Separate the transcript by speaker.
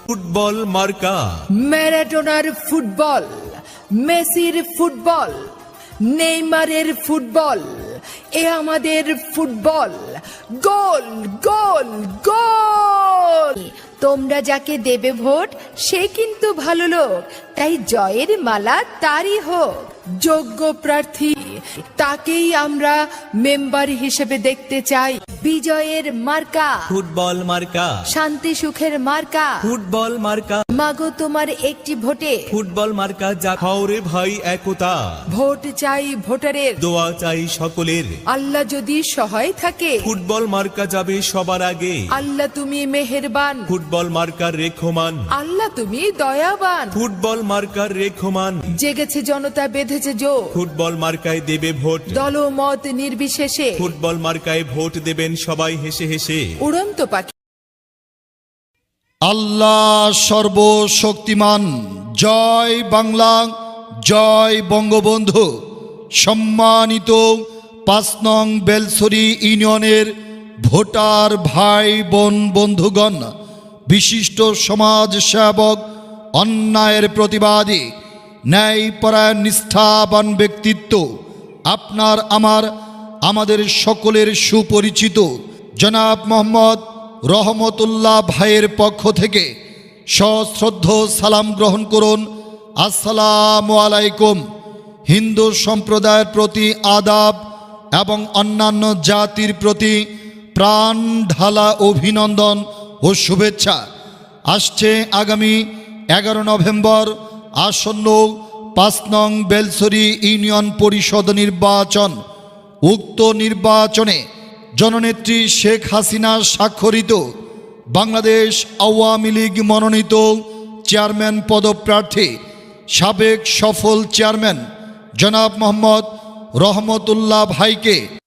Speaker 1: Football মার্কা,
Speaker 2: ম্যারাডোনার football, মেসির ফুটবল, নেইমারের ফুটবল, এ আমাদের ফুটবল। গোল গোল গোল। তোমরা যাকে দেবে ভোট সে কিন্তু ভালো লোক, তাই জয়ের মালা তারই হোক। যোগ্য প্রার্থী তাকেই আমরা মেম্বার হিসেবে দেখতে চাই। বিজয়ের মার্কা
Speaker 1: ফুটবল মার্কা,
Speaker 2: শান্তি সুখের মার্কা।
Speaker 1: ফুটবল মার্কা,
Speaker 2: মাগো তোমার একটি ভোটে
Speaker 1: ফুটবল মার্কা যা খাওরে ভাই একতা।
Speaker 2: ভোট চাই ভোটারের,
Speaker 1: দোয়া চাই সকলের,
Speaker 2: আল্লাহ যদি সহায় থাকে।
Speaker 1: ফুটবল মার্কা যাবে সবার আগে।
Speaker 2: আল্লাহ তুমি মেহেরবান,
Speaker 1: ফুটবল মার্কার রেখমান,
Speaker 2: আল্লাহ তুমি দয়াবান।
Speaker 1: ফুটবল মার্কার রেখমান,
Speaker 2: জেগেছে জনতা বেঁধেছে জোর,
Speaker 1: ফুটবল মার্কায় দেবে ভোট।
Speaker 2: দলমত নির্বিশেষে
Speaker 1: ফুটবল মার্কায় ভোট দেবেন সবাই হেসে হেসে।
Speaker 2: উড়ন্ত পাখি।
Speaker 3: আল্লাহ সর্বশক্তিমান। জয় বাংলা, জয় বঙ্গবন্ধু। সম্মানিত ৫ নং বেলছড়ি ইউনিয়নের ভোটার ভাই বোন বন্ধুগণ, বিশিষ্ট সমাজ সেবক, অন্যায়ের প্রতিবাদী, ন্যায়পরায়ণ নিষ্ঠাবান ব্যক্তিত্ব, আপনার আমাদের সকলের সুপরিচিত জনাব মোহাম্মদ রহমতুল্লাহ ভাইয়ের পক্ষ থেকে সশ্রদ্ধ সালাম গ্রহণ করুন। আসসালামু আলাইকুম। হিন্দু সম্প্রদায়ের প্রতি আদাব এবং অন্যান্য জাতির প্রতি প্রাণ ঢালা অভিনন্দন ও শুভেচ্ছা। আসছে আগামী ১১ নভেম্বর আসন্ন ৫ নং বেলছড়ি ইউনিয়ন পরিষদ নির্বাচন। উক্ত নির্বাচনে জননেত্রী শেখ হাসিনা স্বাক্ষরিত বাংলাদেশ আওয়ামী লীগ মনোনীত চেয়ারম্যান পদপ্রার্থী সাবেক সফল চেয়ারম্যান জনাব মোহাম্মদ রহমতুল্লাহ ভাইকে